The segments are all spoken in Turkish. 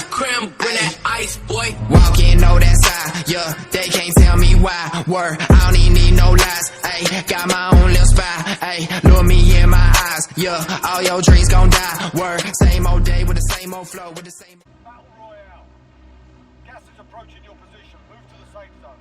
creme, bring that ice, boy. Walking, know that side, yeah, they can't tell me why. Word, I don't even need no lies, ayy. Got my own little spy, ayy. Look me in my eyes, yeah. All your dreams gon' die. Word, same old day with the same old flow, with the same. Battle Royale. Gas is approaching your position. Move to the safe zone.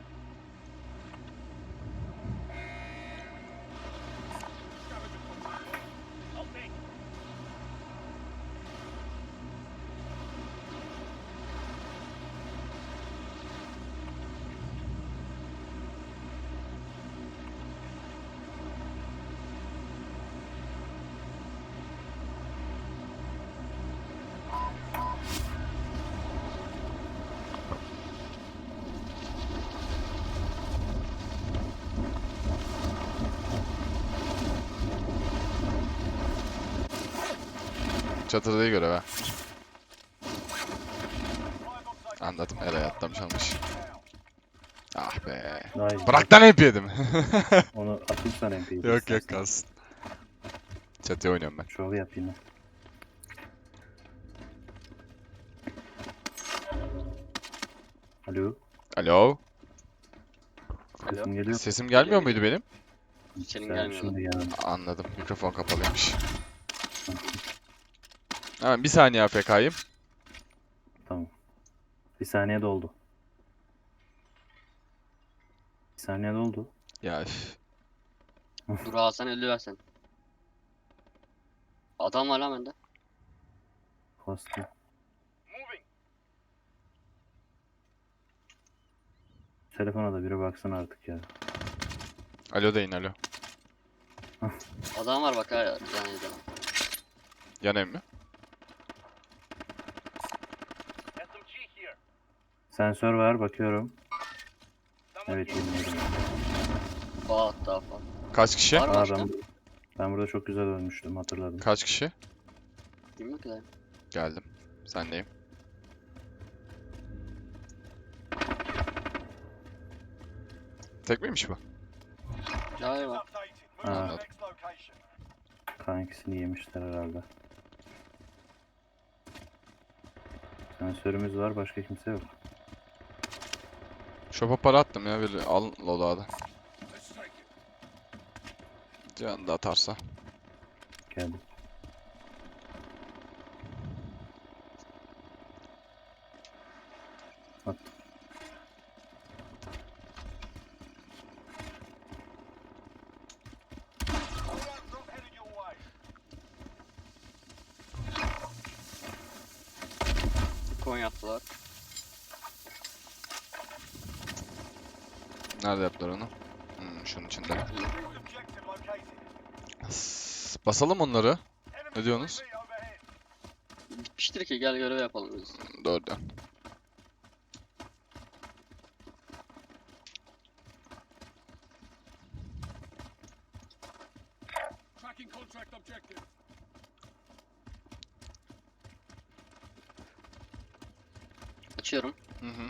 Çatıdayı görev ha. Anladım, Eray'a atlamış almış. Ah be. Nice. Bırak lan hep yedim. Onu atayım sana MP'yi. Yok yok kalsın. Çatıya oynuyorum ben. Şov yap yine. Alo. Alo. Sesim geliyor. Sesim gelmiyor muydu benim? Senin Sen gelmiyor. şimdi geldi. Anladım. Mikrofon kapalıymış. Hemen bir saniye AFK'yim. Tamam. Bir saniye doldu. Bir saniye doldu. Ya üf. Dur alsan 50 versen. Adam var lan bende. Bastım. Telefona da biri baksın artık ya. Alo deyin alo. Adam var bak ha yani de. Yan ev mi? Sensör var bakıyorum. Evet bilmiyorum. Bağ hatta falan. Kaç kişi? Var mı Aa, başka? ben burada çok güzel ölmüştüm hatırladım. Kaç kişi? Bilmiyorum ki de. Geldim. Sendeyim. Tek miymiş bu? Galiba. Updated. Move to the Anladım. next location. Kankisini yemişler herhalde. Sensörümüz var başka kimse yok. Shop'a para attım ya. Bir al loadout'u. Can da atarsa. Geldim. At. Group headed your way. Coin yaptılar. Nerede yaptılar onu? Şunun içinde. Objective located. Basalım onları. Enemy Ne diyorsunuz? UAV overhead. Bitmiştir ki gel görev yapalım biz. Doğru diyorsun. Tracking contract objective. Açıyorum. Hı hı.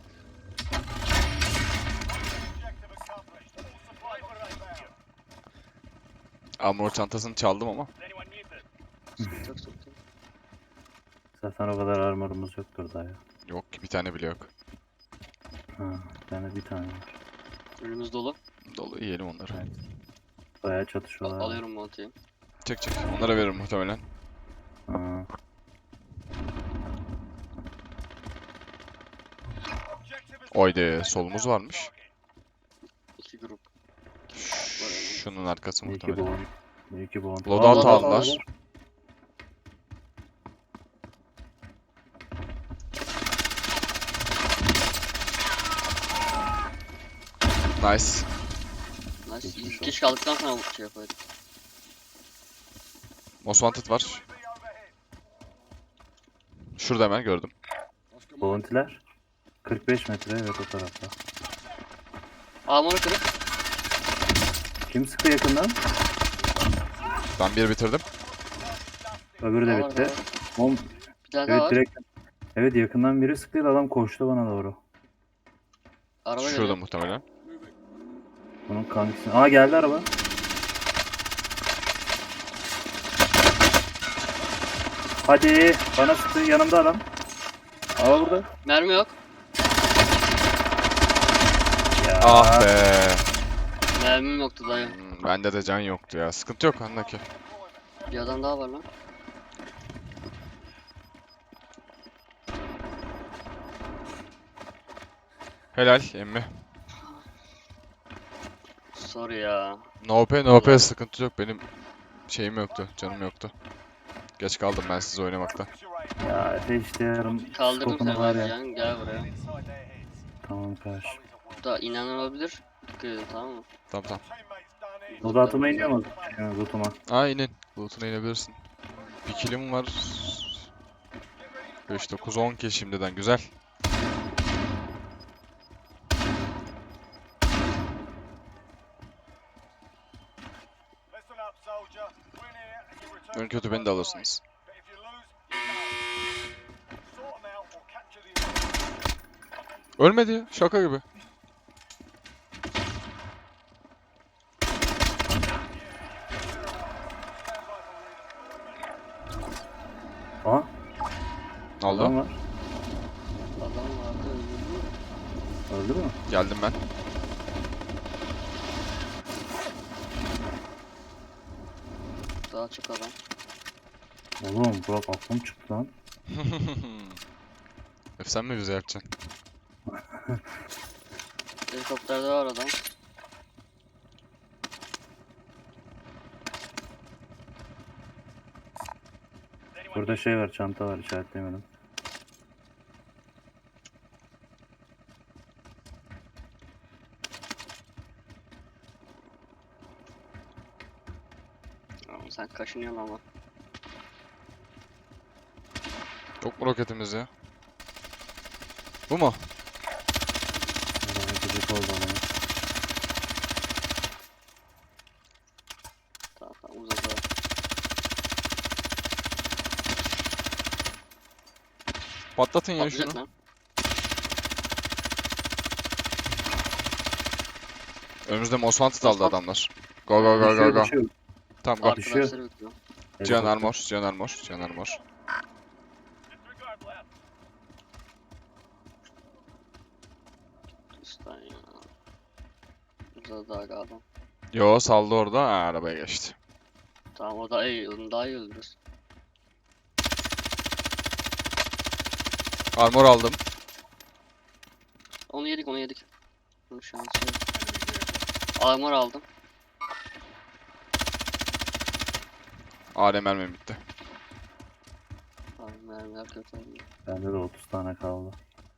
Objective accomplished. All supply boxes found. Armor çantasını çaldım ama. Anyone muted? Sıkıntı yok sıkıntı yok. Zaten o kadar armorumuz yoktur daha ya. Yok ki bir tane bile yok. Ha, bende bir tane var. Önümüz dolu. Dolu yiyelim onları. Bayağı çatışıyorlar. Alıyorum montayı. Çek çek. Onlara veririm muhtemelen. Ha, Objective is Oyde solumuz varmış. 2 grup. Şunun arkası bir iki muhtemelen. bon. Bir iki bon. Loadout Loadout aldılar. Nice. Nice. Geçmiş İlk olsun. kişi kaldıktan sonra bu şey yapayım. Most Wanted var. UAV overhead. Şurada hemen gördüm. Bounty'ler. 45 metre evet o tarafta. Armor'u kırık. Kim sıkı yakından? Ben bir bitirdim. Öbürü de Daha var, bitti. daha var. Bom. Bir tane daha Evet var. direkt. Evet yakından biri sıktıydı adam koştu bana doğru. Araba Şurada geliyor. muhtemelen. Bunun kankisi. Aa geldi araba. Hadi bana sıktı yanımda adam. Aa burada. Mermi yok. Ya. Ah be. Mermim yoktu dayı. Bende de can yoktu ya. Sıkıntı yok andaki. Bir adam daha var lan. Helal emmi. Sorry ya. No pay no pay sıkıntı yok. Benim şeyim yoktu. Canım yoktu. Geç kaldım ben siz oynamakta. Focus your aim. Ya ateş diyorum. Kaldırdım Skopunu seni var ben ya. can. Gel buraya. Inside their heads. Tamam karşı. Bu da inen olabilir. Dikkat edin tamam mı? Tamam tamam. Teammates done in. Loot atıma iniyor mu? Lootuma. Aa inin. Loot'una inebilirsin. Bir killim var. 5, 9, 10 kill şimdiden. Güzel. Listen up, soldier. Win here and you return En to the kötü beni de front alırsınız. line. But if you lose, you know. Sort them out or capture the objective. Ölmedi ya. Şaka gibi. Aa. Ne oldu? Adam var. Adam vardı öldürdü mü? Öldü mü? Geldim ben. Daha çık adam. Oğlum Burak aklım çıktı lan. Sen mi bize yapacaksın? Helikopterde var adam. Burada şey var, çanta var, işaretleyemedim. Ama sen kaşınıyorsun ama. Yok mu roketimiz ya? Bu mu? Burada gıcık oldu ama. Tamam tamam uzadı. Patlatın ya Patlayacak şunu. lan. Önümüzde Most Wanted aldı adamlar. Go go go go Düşüyor, go. düşüyor. Tamam go. Düşüyor. Arkadaşları bekliyor. Cihan Helikopter. armor, Cihan armor, Cihan armor. Üstten ya. Uzadı aga adam. Yo saldı orada. Ha, arabaya geçti. Tamam o da iyi. Onu daha iyi öldürürüz. Armor aldım. Onu yedik onu yedik. Bunun şansı yok. Armor aldım. AR mermim bitti. Abi mermiler kötü oldu. Bende de 30 tane kaldı.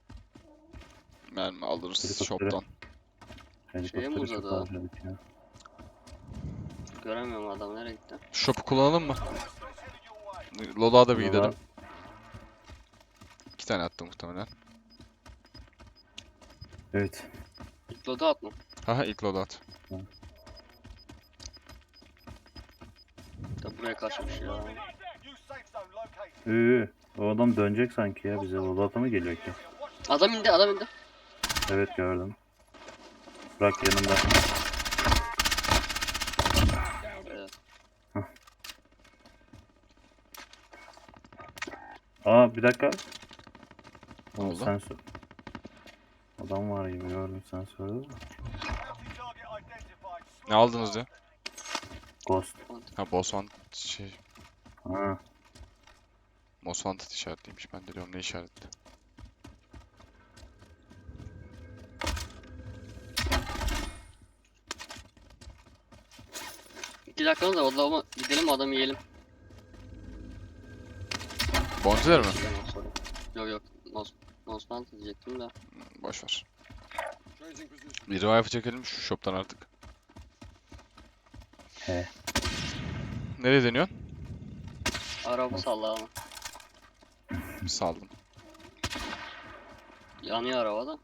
Mermi alırız Helikoptere. shop'tan. Helikopteri çok uzadı ha. harcadık ya. Göremiyorum adamı nereye gitti. Shop'u kullanalım mı? Loadout'a da bir Loadout. gidelim. 2 tane attım muhtemelen. Evet. Loadı atma. Haha ilk loadout. Da buraya kaçmış ya. New safe zone located. O adam dönecek sanki ya, bize Loadout'a mı geliyor ki? Adam indi adam indi. Evet gördüm. Burak yanımda. Evet. Aa bir dakika. Ne Oğlum oldu? sensör. Adam var gibi gördüm sensörde de. Bounty target identified. Ne aldınız ya? Ghost. Ha Boss Wanted şey. Ha. Most Wanted işaretliymiş. Ben de diyorum ne işaretli. İki dakikamız var. Odama gidelim adamı yiyelim. Bounty'ler mi? Yok yok. Nosman diyecektim de. Boşver. Bir revive çekelim şu shop'tan artık. He. Nereye deniyorsun? Araba salla ama. Saldım. Yanıyor araba da.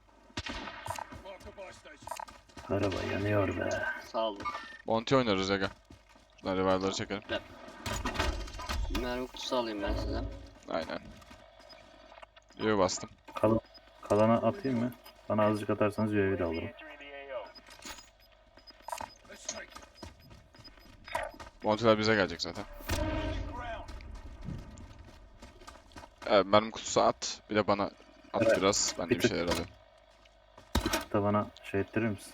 Araba yanıyor be. Saldım. Bounty oynarız ya gel. Şuradan revive'ları çekelim. Mermi kutusu alayım ben size. Aynen. Yo bastım. Kalana atayım mı? Bana azıcık atarsanız UAV de alırım. Bounty'ler bize gelecek zaten. Evet mermi kutusu at. Bir de bana At Evet. biraz. Ben de Bir bir tık. şeyler alayım. Bir tık da bana şey ettirir misin?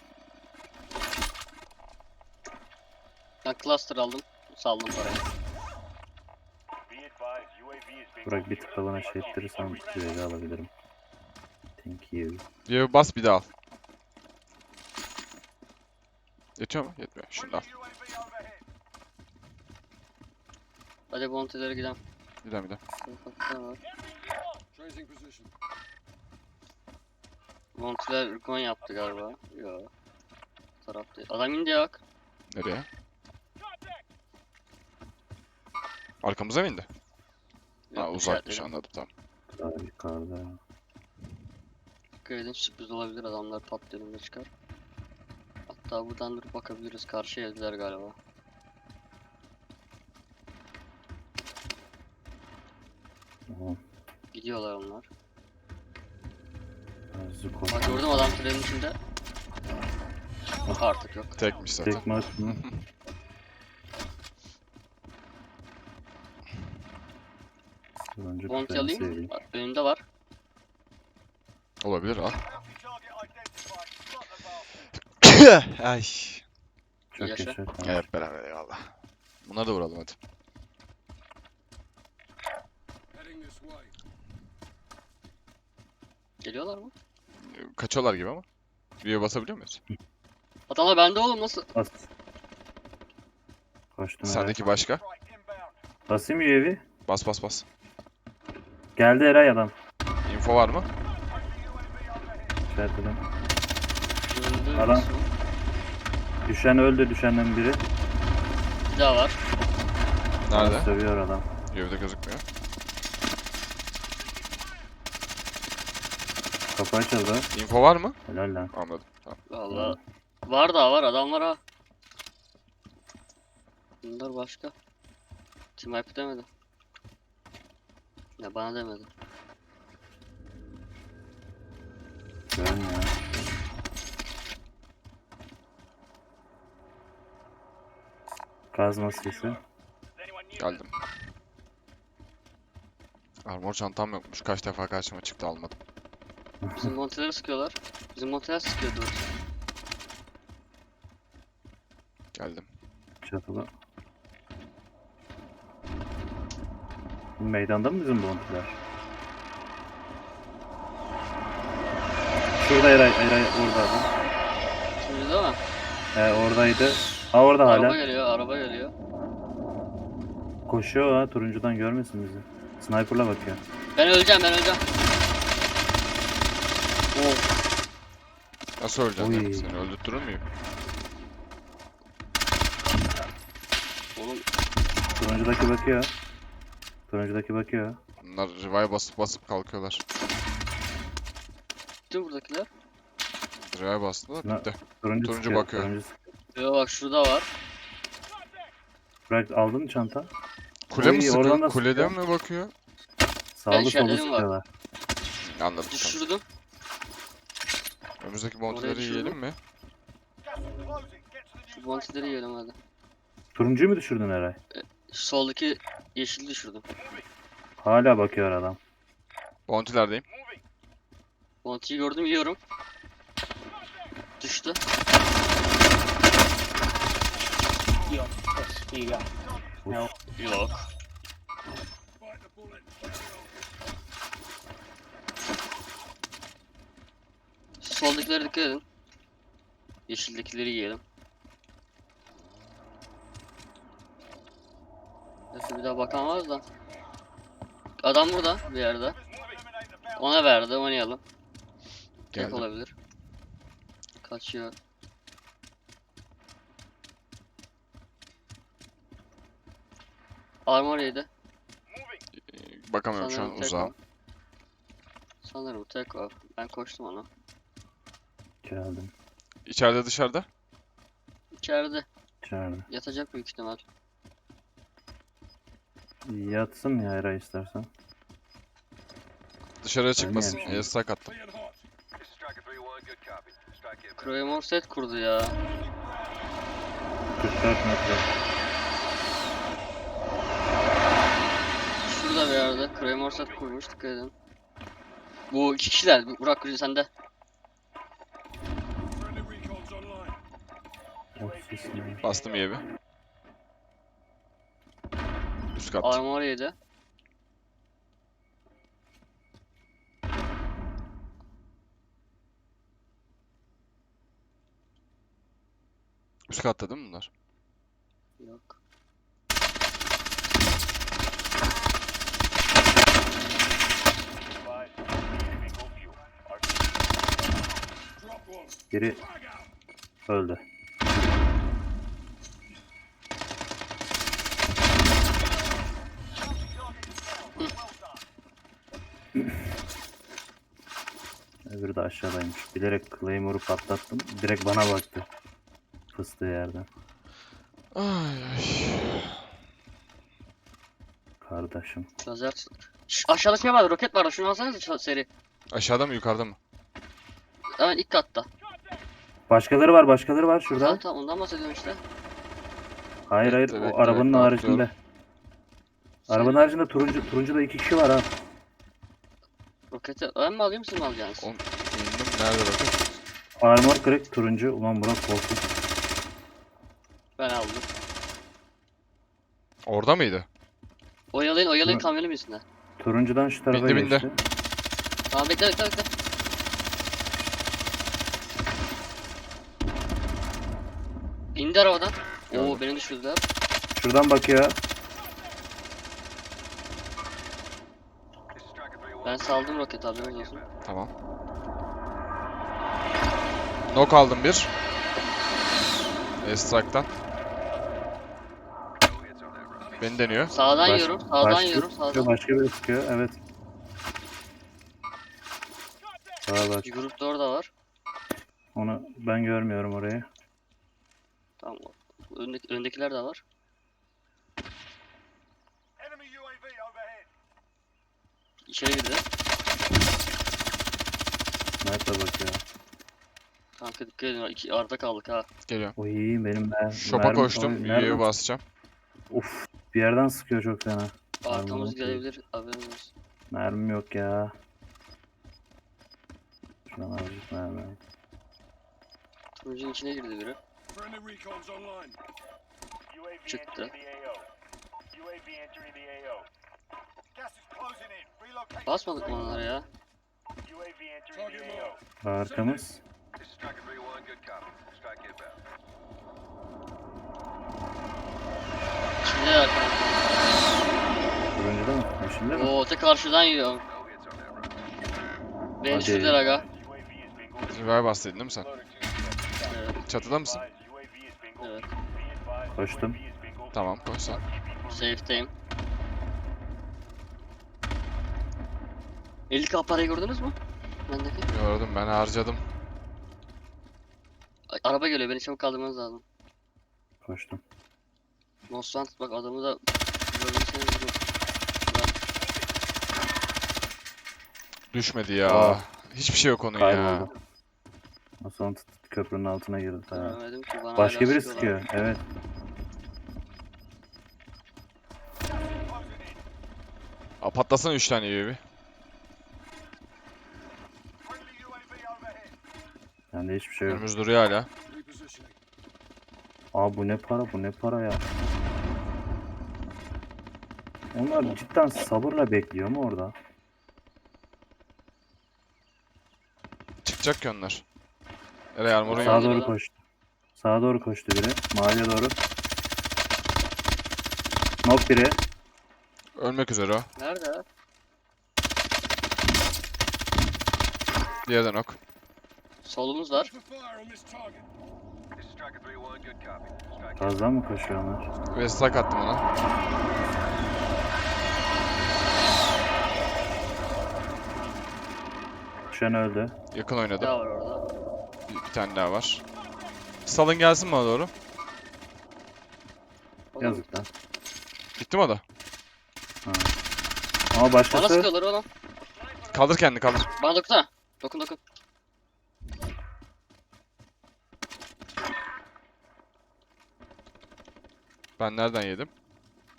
Ben cluster aldım. Saldım parayı. Be advised, UAV is being Burak bir tık da bana şey ettirirsen UAV alabilirim. Thank you. Bir bas bir daha al. Yetiyor mu? Yetmiyor. Şunu da al. UAV overhead. Hadi bounty'lere gidelim. Gidelim gidelim. Sokaklar var. Bounty'ler Rukon yaptı galiba. Yo. Taraf değil. Adam indi ya bak. Nereye? Arkamıza mı indi? Ha Yok, uzakmış işaretledim. anladım tamam. Daha yukarıda. Dikkat edin, sürpriz olabilir, adamlar pat önüne çıkar. Hatta buradan durup bakabiliriz. Karşı evdiler galiba. Tamam. Gidiyorlar onlar. Zuko. Bak gördüm adam trenin içinde. Yok artık yok. Tekmiş zaten. Tek maç mı? Önce Bounty ben alayım. seveyim. Bak, önünde var. Olabilir al. Bounty target identified. Slot the bastard. Ay. Çok Yaşa. yaşa. Tamam. Evet beraber eyvallah. Bunları da vuralım hadi. Geliyorlar mı? Kaçıyorlar gibi ama. Bir basabiliyor muyuz? Adamlar bende oğlum, nasıl? Bas. Koştum Eray. Sendeki başka. Strike inbound. Basayım UAV. Bas bas bas. Geldi Eray adam. Info var mı? İşaretledim. Öldü. Adam. Düşen öldü, düşenden biri. Bir daha var. Nerede? Sövüyor adam. Evde gözükmüyor. Kapı açıldı. Info var mı? Helal lan. Anladım. Tamam. Valla. Var daha var, adam var ha. Bunlar başka. Team Hype demedi. Ya bana demedi. Görmüyor. Kazma sesi. Geldim. Armor çantam yokmuş. Kaç defa karşıma çıktı almadım. Bizim monteleri sıkıyorlar. Bizim monteler sıkıyordu. Geldim. Çatıda. Bu meydanda mı bizim bontiler? Şurada Eray orada adam. Şimdi değil mi? Oradaydı. Ha orada Araba hala. geliyor, araba geliyor. Koşuyor ha, turuncudan görmesin bizi. Sniper'la bakıyor. Ben öleceğim, ben öleceğim. Oh, Nasıl öleceksin Oy. ya? Seni öldürtürür müyüm? oğlum Turuncudaki bakıyor. Turuncudaki bakıyor. Bunlar revive basıp basıp kalkıyorlar. gitti buradakiler. Revive bastılar Ne? bitti. Turuncu Turuncu sıkıyor, bakıyor. turuncu sıkıyor. Yo bak şurada var. Bırak aldın mı çanta? Kule mi Oy, sıkıyor? oradan da Kulede sıkıyor. mi bakıyor? Sağlı solu işaretledim var. sıkıyorlar. Anladım. Tamam. Düşürdüm. Önümüzdeki Oraya monteleri düşürdüm. yiyelim mi? Gas is closing. Get to the Şu new safe bounty'leri yiyelim hadi. Turuncuyu mu düşürdün Eray? Şu soldaki yeşili düşürdüm. Hala bakıyor adam. Bounty'lerdeyim. Bounty'yi gördüm, yiyorum. Düştü. Yok. Şu soldakilere dikkat edin. Yeşildekileri yiyelim. Neyse bir daha bakamaz da. Adam burada bir yerde. Ona verdi, oynayalım. Tek Geldim. olabilir. Kaçıyor. Armor yedi. Bakamıyorum şu an Sanırım tek uzağım. o. Sanırım tek o. Ben koştum ona. Geldim. İçeride dışarıda. İçeride. İçeride. Yatacak büyük ihtimal. Yatsın ya Eray istersen. Dışarıya çıkmasın. Ölmeyelim şimdi. Yasak attım. This is Striker 3-1. Good copy. Strike inbound. Claymore set kurdu ya. 44 metre. Şurada bir yerde Claymore set kurmuş, dikkat edin. Bu iki kişiler. Burak Kurucu sende. Friendly recon's online. Ofis mi? Bastım iyi bir. Üst kat. Armor yedi. Üst katta değil mi bunlar? Yok. Advise, bingo fuel. Drop one. Biri öldü. Öbürü de aşağıdaymış. Bilerek Claymore'u patlattım. Direkt bana baktı. Fıstığı yerden. Ay ay. Kardeşim. Lazer. Aşağıda şey vardı. Roket vardı. Şunu alsanıza seri. Aşağıda mı yukarıda mı? Hemen ilk katta. Başkaları var, başkaları var şurada. Tamam tamam ondan bahsediyorum işte. Hayır hayır, Bekle, o bekle, arabanın bekle, haricinde. atlıyorum. Arabanın haricinde turuncuda 2 kişi var ha. Roketi ben mi alayım siz mi alacaksınız? Oğlum indim. Nerede roket? Armor kırık turuncu. Ulan Burak korktu. Ben aldım. Orada mıydı? Oyalayın Hı. kamyonun üstünde. Turuncudan şu tarafa Bindi, bindi. geçti. Tamam bekle. İndi arabadan. Oo Gördüm. beni düşürdüler. Şuradan bakıyor. Ben saldım roketi haberiniz olsun. Tamam. Knock aldım bir. Strike'tan. Beni deniyor. Sağdan Baş- yiyorum, sağdan başka yiyorum, sıkıyor, sağdan. Başka biri sıkıyor, evet. Sağa bak. Bir grup da orada var. Onu ben görmüyorum orayı. Tamam. Öndekiler de var. Enemy UAV overhead. İçeri girdi. Nerede bakıyor? Kanka dikkat edin. İki arada kaldık ha. Geliyorum. Oy benim Shop'a koştum. oy, UAV'ye basacağım. Of, bir yerden sıkıyor çok fena. Arkamız Armor gelebilir. Haberiniz olsun. Mermim yok ya. Şuradan azıcık mermi. Turuncunun içine girdi biri. Friendly recon's online. UAV Çıktı. entering the AO. UAV entering the AO. Gas is closing in. Relocation. Basmadık mı onlara ya? UAV entering the AO. Arkamız. This is Striker 3-1, good copy. Strike inbound. İçinde arkamda. Turuncuda mı? Yeşilde mi? Oo tek karşıdan yiyorum. No hits on that round. Beni Hadi. düşürdüler aga. UAV is bingo. Revive bastıydın değil mi sen? Evet. Çatıda mısın? UAV is bingo. Evet. Be advised, Koştum. UAV is bingo. Tamam koş sen. Safe'teyim. 50k parayı gördünüz mü? Bendeki. Gördüm ben harcadım. Araba geliyor beni çabuk kaldırmanız lazım. Koştum. Nostant bak adamı da görürseniz vurun. Düşmedi ya. Aa. Hiçbir şey yok onun ya. Kayboldu. O son köprünün altına girdi. Ha. Göremedim ki bana Başka hala biri sıkıyorlar. sıkıyor. Evet. Patlasana 3 tane UAV. Friendly UAV overhead. Bende hiçbir şey yok. Önümüz duruyor hala. Repositioning. Aa bu ne para, bu ne para ya. Onlar cidden sabırla bekliyor mu orada? Çıkacak ki onlar. Nereye armorun Sağa yok. doğru Adam. koştu. Sağa doğru koştu biri. Maviye doğru. Nok biri. Ölmek üzere o. Nerede? Diğeri de knock. Solumuz var. For fire on this target. This is Striker 3-1, good copy. Strike Fazla mı koşuyor onlar? Ve strike attım ona. Düşen öldü. Yakın Daha oynadım. var orada. Bir tane daha var. Salın gelsin bana doğru. Oğlum, Yazık lan. Gitti mi o da? Ha. Ama Bana başkası sıkıyorlar oğlum. Kaldır kendini kaldır. Bana dokunsana. Dokun. Ben nereden yedim?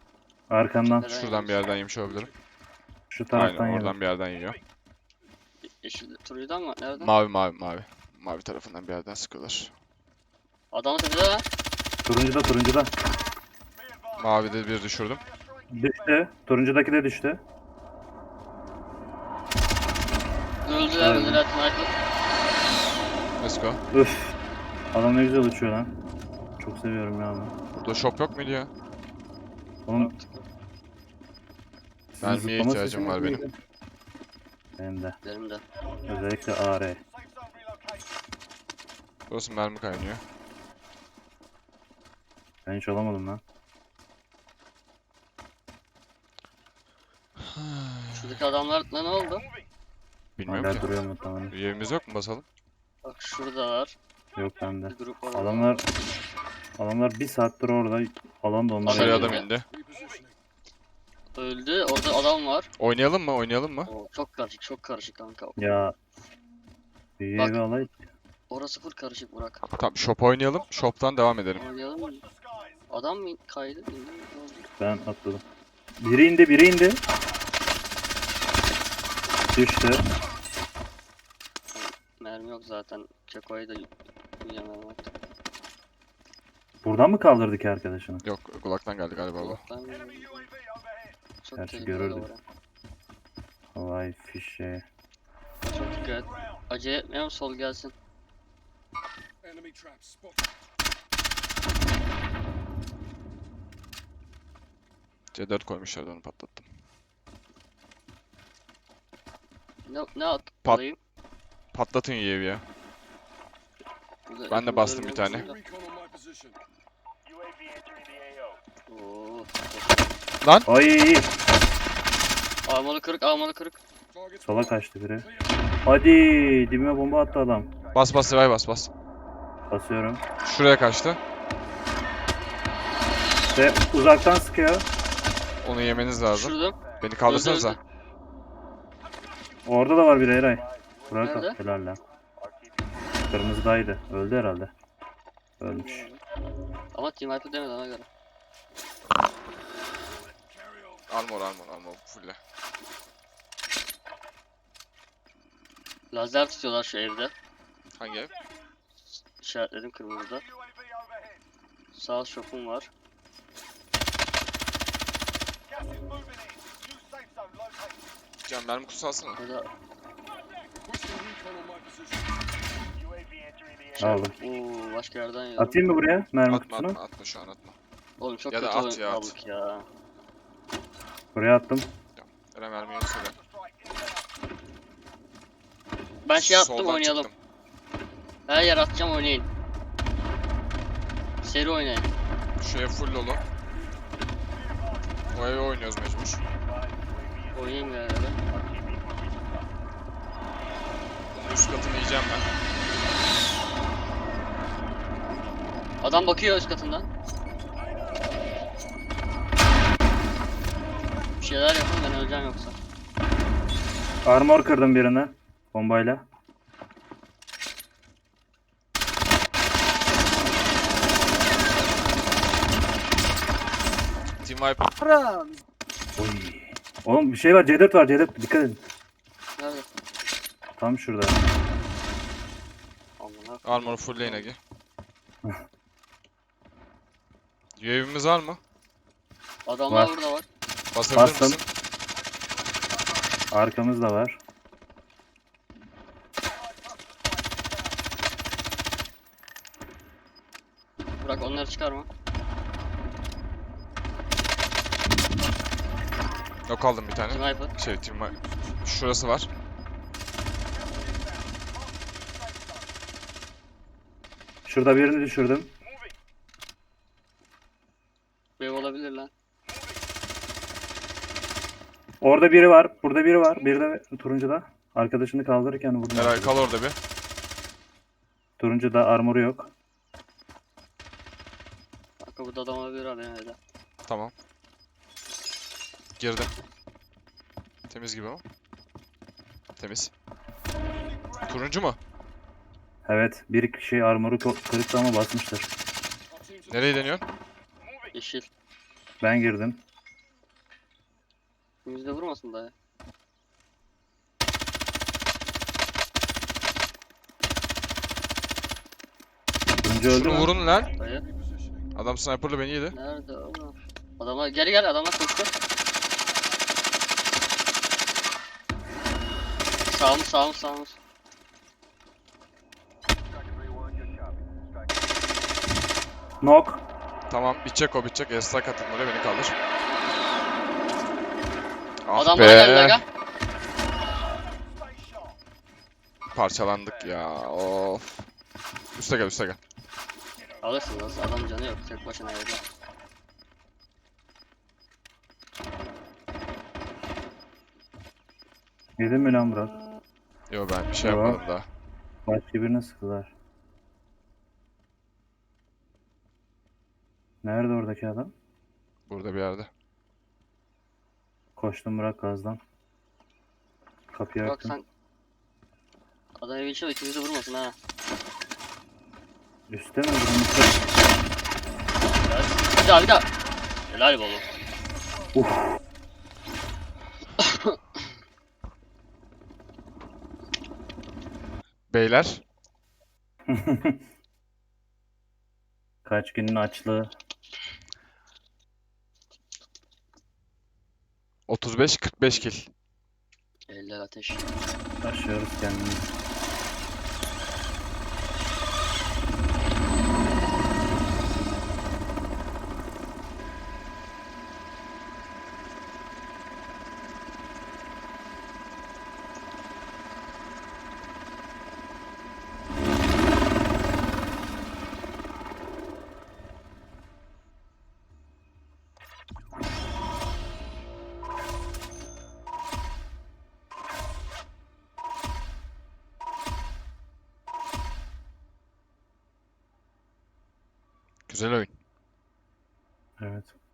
arkandan Nereden Şuradan bir yerden yemiş olabilirim. şu taraftan Aynen yedi. oradan bir yerden yiyor. Yeşil turuncudan mı? Nereden? Mavi mavi mavi. Mavi tarafından bir yerden sıkıyorlar. Adam tepede lan. Turuncuda. Mavide bir düşürdüm. Düştü. Turuncudaki de düştü. Öldüler Evet. öldüler sniper. Let's go. Üf. Adam ne güzel uçuyor lan. Çok seviyorum ya bunu. Burada shop yok muydu ya? Oğlum sizin Mermiye zıplama ihtiyacım sesiniz var benim. neydi? Benim de. Benim de. Özellikle AR. Safe zone relocated. Burası mermi kaynıyor. Ben hiç alamadım lan. Şuradaki adamlar ne oldu? Bilmiyorum Hala ki. duruyor mu tamam. Bir evimiz yok mu basalım? Bak şuradalar. Yok bende. Bir grup var. Adamlar bir saattir orada. Alan da onlar. Dışarıya Adam adam indi. indi. Öldü. Orada adam var. Oynayalım mı? Oynayalım mı? Oo, çok karışık kanka. Ya. Bir Bak. evi alay. Orası full karışık Burak. Tamam shop oynayalım. Shop'tan devam edelim. Oynayalım mı? Adam mı kaydı? İndi mi? Ne oldu? Ben atladım. Biri indi. Düştü. Mermi yok zaten. Keko'yu da yiyemem artık. Buradan mı kaldırdı ki arkadaşını? Yok kulaktan geldi galiba bu. Ben Enemy UAV overhead. çok Gerçi tehlikeli görürdük. oraya. Havai fişe. Çok dikkat et. Acele etmeyelim sol gelsin. Enemy traps spotted. C4 koymuşlardı onu patlattım. Ne at? Pat- alayım? Patlatın UAV'yi ya. Burada Ben de hepimiz bastım bir ölüyoruz tane. burada. Recon on my position. UAV entering the AO. Oo. Ay Armalı kırık. Targets sola kaçtı biri. Hadi dibime bomba attı adam. Bas revive bas. Basıyorum. Şuraya kaçtı. Ve uzaktan sıkıyor. Onu yemeniz lazım. Düşürdüm. Beni kaldırsanıza. Öldü. Orada da var bir Eray. Bırak Nerede? helal lan. Kırmızıdaydı. Öldü herhalde. Ölmüş. Ama Team Hyper demedi ona göre. Armor fulle. Lazer tutuyorlar şu evde. Hangi ev? İşaretledim kırmızıda. UAV overhead. Sağ shop'um var. Gas is moving in. New safe zone located. Can mermi kutusu alsana. Burada pushing recon on my position. UAV entering the AO. Aldım. başka yerden yiyorum. Atayım mı buraya mermi Atma kutusunu? atma şu an atma. Oğlum çok Ya da kötü at oyun ya, at. aldık ya. Buraya attım. Eren mermi yok söyle. Ben şey attım Soldan oynayalım. çıktım. Her yer atacağım oynayın. Seri oynayın. Şu ev full dolu. O eve oynuyoruz mecbur. Oynayayım bir yere. Bunun üst katını yiyeceğim ben. Adam bakıyor üst katından. Bir şeyler yapın ben öleceğim yoksa. Armor kırdım birine. Bombayla. Team Viper. Oy. Oğlum bir şey var. C4 var. C4. Dikkat edin. Nerede? Tam şurada. Amına. Armor full lane Agi. UAV'imiz var mı? Adamlar Var. burada var. Basabilir Bastım. misin? Arkamızda var. Bırak onları çıkarma. Yok aldım bir tane. Team Hyper. Team Viper. Şurası var. Şurada birini düşürdüm. Wave olabilir lan. Orada biri var. Burada biri var. Biri de turuncuda. Arkadaşını kaldırırken vurdum. Eray kal orada bir. Turuncuda armoru yok. Kanka burada adam olabilir ha benim evde. Tamam. Girdim. Temiz gibi o. Temiz. Turuncu mu? Evet. Bir kişi armoru kırıktı ama basmıştır. Our teams are Nereye deniyorsun? Yeşil. Ben girdim. Yüzde vurmasın daha ya. Sonuncu öldü Şunu mü? vurun lan. Dayı. Adam sniper'la beni yedi. Nerede oğlum? Adamlar geri gel, adamlar koştu. Sağımız. Knock. Tamam bitecek o bitecek. Airstrike attın oraya beni kaldır. Ah Adam bana geldi be. aga. Stay sharp. Parçalandık ya. Of. Üste gel. Alırsın nasıl, adam canı yok, tek başına evde. Yedin mi lan Burak? Yo ben bir şey Yo. yapmadım daha. Başka birine sıktılar. Nerede oradaki adam? Burada bir yerde. Koştum Burak gazdan. Kapıyı Bak açtım. sen... Adam evin içinde, ikimizi vurmasın ha. Üste mi? Üste. Bir daha. Helal be oğlum. Uf. Beyler. Kaç günün açlığı. 35-45 kill. Eller ateş. Taşıyoruz kendimizi. Güzel oyun. Evet.